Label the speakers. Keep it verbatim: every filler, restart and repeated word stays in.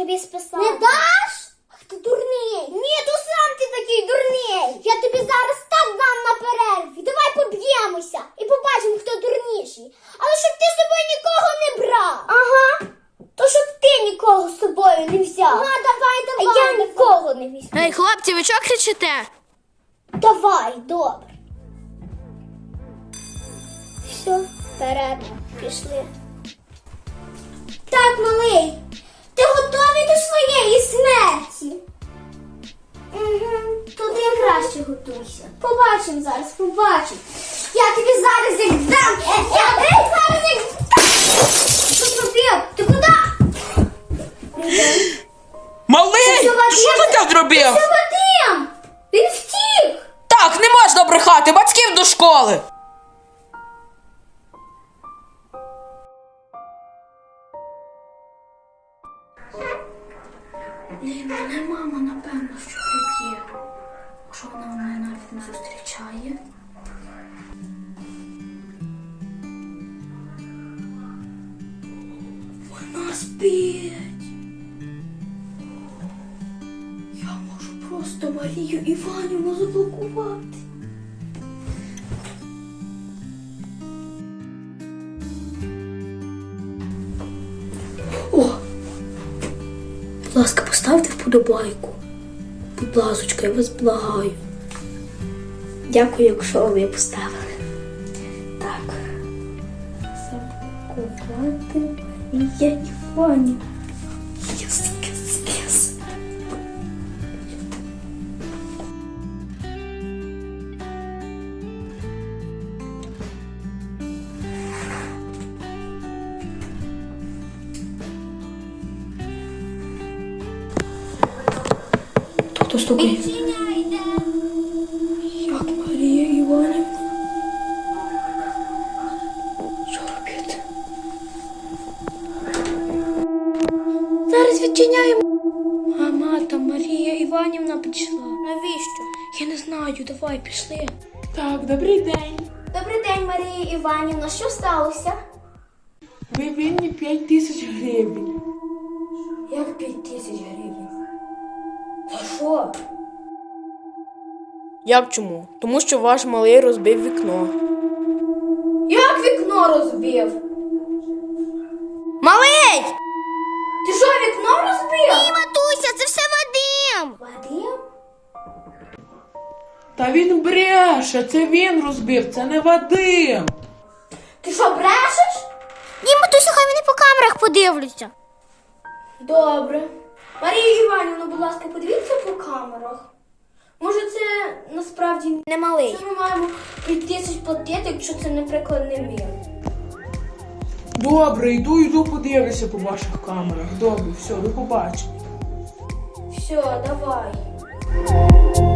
Speaker 1: тобі списати.
Speaker 2: Не даш? Ах ти дурний.
Speaker 1: Ні, то сам ти такий дурний.
Speaker 2: Я тобі зараз так дам на перерві. Давай поб'ємося і побачимо, хто дурніший. Але щоб ти з собою нікого не брав.
Speaker 1: Ага. То щоб ти нікого з собою не взяв.
Speaker 2: Ага, давай,
Speaker 1: А
Speaker 2: давай.
Speaker 1: я
Speaker 2: давай.
Speaker 1: нікого не візьму.
Speaker 3: Ей, хлопці, ви чого кричите?
Speaker 1: Давай, добре. Все, перерва. Пішли.
Speaker 2: Так, малий, ти готовий до своєї смерті?
Speaker 1: Угу. Туди краще готуйся.
Speaker 2: Побачимо зараз, побачимо. Я тобі зараз як дам. Я тобі зараз як дам. Що зробив? Ти куди?
Speaker 4: Малий!
Speaker 2: Це Вадим.
Speaker 4: Що ти так зробив?
Speaker 2: Це Вадим! Він втік!
Speaker 4: Так, не можна брехати, батьків до школи!
Speaker 3: Блін, мене мама, напевно, що приб'є. Якщо вона мене навіть не зустрічає. Вона спить. Я можу просто Марію Іванівну заблокувати. О! Будь ласка, поставте вподобайку. Будь ласочка, я вас благаю. Дякую, якщо ви поставили. Так. Заблокувати Марія Іванівна. Єс, єс, єс. Хто стукає? Як Марія Іванівна? Що робити? Зараз відчиняємо. Мама, там Марія Іванівна прийшла.
Speaker 1: Навіщо?
Speaker 3: Я не знаю, давай, пішли.
Speaker 4: Так, добрий день.
Speaker 1: Добрий день, Марія Іванівна. Що сталося?
Speaker 4: Ви винні п'ять тисяч гривень.
Speaker 3: Як п'ять тисяч гривень? За що?
Speaker 5: Як чому? Тому що ваш малий розбив вікно.
Speaker 3: Як вікно розбив?
Speaker 5: Малий!
Speaker 3: Ти що, вікно розбив?
Speaker 1: Ні, матуся, це все Вадим.
Speaker 3: Вадим?
Speaker 4: Та він бреше, це він розбив, це не Вадим.
Speaker 3: Ти що, брешеш?
Speaker 1: Ні, матуся, хай вони по камерах подивляться.
Speaker 3: Добре. Марія Іванівна, будь ласка, подивіться по камерах. Може, це насправді
Speaker 1: Не малий.
Speaker 3: ми маємо п'ять тисяч платити, якщо це, наприклад, не він.
Speaker 4: Добре, йду, йду, подивлюся по ваших камерах. Добре, все, до побачення.
Speaker 3: Все, давай.